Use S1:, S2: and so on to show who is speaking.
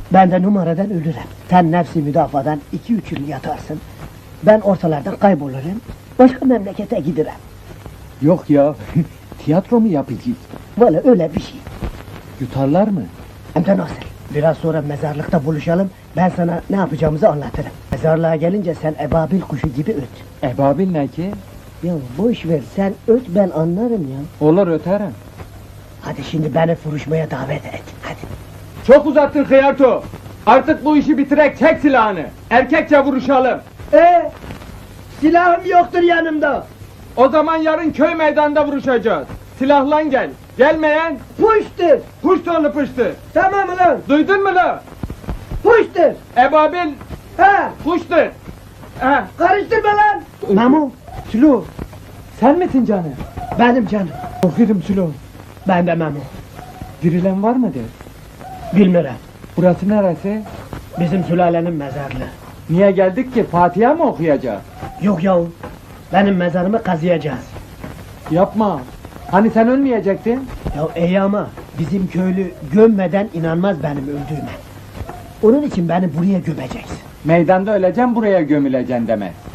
S1: Ben de numaradan ölürüm. Sen nefsi müdafadan 2-3 yıl yatarsın. Ben ortalardan kaybolurum. Başka memlekete giderim.
S2: Yok ya, tiyatro mu yapacağız?
S1: Valla öyle bir şey.
S2: Yutarlar mı?
S1: Hem de nasıl? Biraz sonra mezarlıkta buluşalım. Ben sana ne yapacağımızı anlatırım. Mezarlığa gelince sen ebabil kuşu gibi öt.
S2: Ebabil ne ki?
S1: Ya boş ver, sen öt, ben anlarım ya.
S2: Olur öterim.
S1: Hadi şimdi beni vuruşmaya davet et. Hadi.
S2: Çok uzattın Hıyarto. Artık bu işi bitirek, çek silahını. Erkekçe vuruşalım.
S1: Silahım yoktur yanımda.
S2: O zaman yarın köy meydanında vuruşacağız. Silahlan gel. Gelmeyen
S1: Puştur.
S2: puştonu puştu.
S1: Tamam ulan.
S2: Duydun mu lan?
S1: Puştur.
S2: Ebabil
S1: Ha.
S2: puştu. Ha.
S1: Karıştırma lan. Memo.
S2: Sülo. Sen misin canım?
S1: Benim canım.
S2: Korkuyorum Sülo.
S1: Ben de Memo.
S2: Dirilen var mıdır?
S1: Bilmiyorum.
S2: Burası neresi?
S1: Bizim sülalenin mezarlığı.
S2: Niye geldik ki? Fatiha mı okuyacağız?
S1: Yok yahu. Benim mezarımı kazıyacağız.
S2: Yapma. Hani sen ölmeyecektin?
S1: Ya iyi ama bizim köylü gömmeden inanmaz benim öldüğüme. Onun için beni buraya gömeceksin.
S2: Meydanda öleceğim, buraya gömüleceksin deme.